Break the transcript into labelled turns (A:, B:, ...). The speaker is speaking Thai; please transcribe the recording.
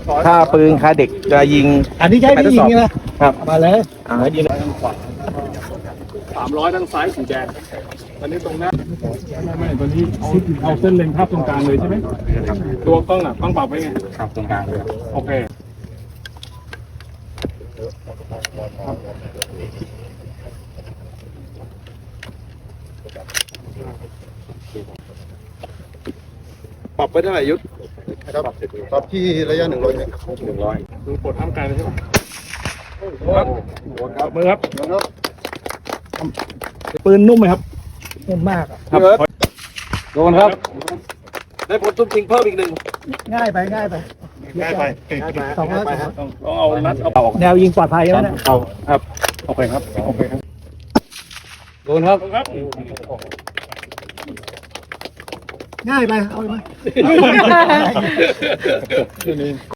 A: ถ้าปืนคาเด็กจะยิง
B: อันนี้ใช้ไม่ยิงนะครับ มาเลย
A: ยิง
C: 300ด้านซ้ายสีแดงตอนนี้ตรงหน้าไม่ตอนนี้เอาเส้นเลนภาพตรงกลางเลยใช่ไหมตัวกล้องอ่ะต้องปรับไว้ไงครับตรงกลางเลยโอเค
A: ปรับไปเท่าไหร่ยุทธ
D: ครับปรับที่ระยะ100 เมตร
C: ดูกดท่ามกลางเลยใช่ไหมครับมือครับ ปืนนุ่มไหมครับ
B: นุ่มมากอะ
C: ครับโดนครับ
A: ได้ผลตุ้มจริงเพิ่มอีกหนึ่ง
B: ง่ายไป
D: ง่ายไป
B: สองแล้ว
C: ต้องเอานัดเอาออก
B: แนวยิงปลอดภัยแล้วนะ
C: เอาครับโอเคครับโอเคครับโดนครับครับ
B: ง่ายไป เอาไป